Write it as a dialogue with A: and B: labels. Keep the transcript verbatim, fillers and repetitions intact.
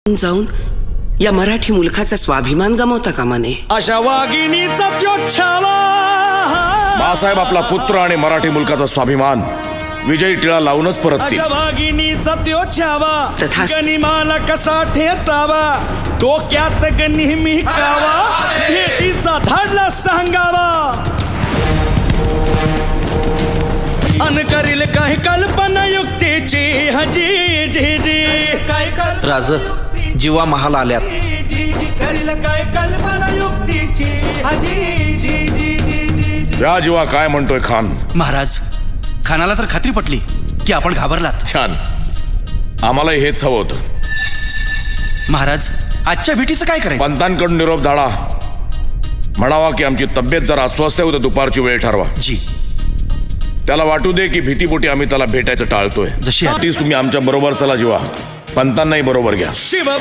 A: जाऊन या मराठी मुलखाचा स्वाभिमान गमावता कामा नये.
B: अशा वाघिणीचा त्यो छावा.
C: बाळासाहेब आपला पुत्र आणि मराठी मुलकाचा स्वाभिमान विजयी टिळा लावूनच परततील.
B: अशा वाघिणीचा त्यो छावा.
A: तथास्तु.
B: गनिमाला कसा ठेचावा, डोक्यात नेहमी कावा, भेटीचा धाडला सांगावा. अन करील काही कल्पना युक्तीची हजी जी जी काय
D: राज जीवा महाल आल्यात.
B: करील काय कल्पना युक्तीची हजी जी जी जी जी.
C: या जीवा काय म्हणतोय खान?
E: महाराज, खानाला तर खात्री पटली की आपण घाबरलात.
C: छान, आम्हाला हेच हवं होतं.
E: महाराज, आजच्या भेटीचं काय करायचं?
C: पंतांकडून निरोप धाडा, म्हणावा की आमची तब्येत जरा अस्वस्थ आहे, उद्या दुपारची वेळ ठरवा.
E: जी,
C: त्याला वाटू दे की भीतीपोटी आम्ही त्याला भेटायचं टाळतोय.
E: जशी आहे.
C: तीच तुम्ही आमच्या बरोबर चला जीवा, पंतांनाही बरोबर घ्या.
B: शिव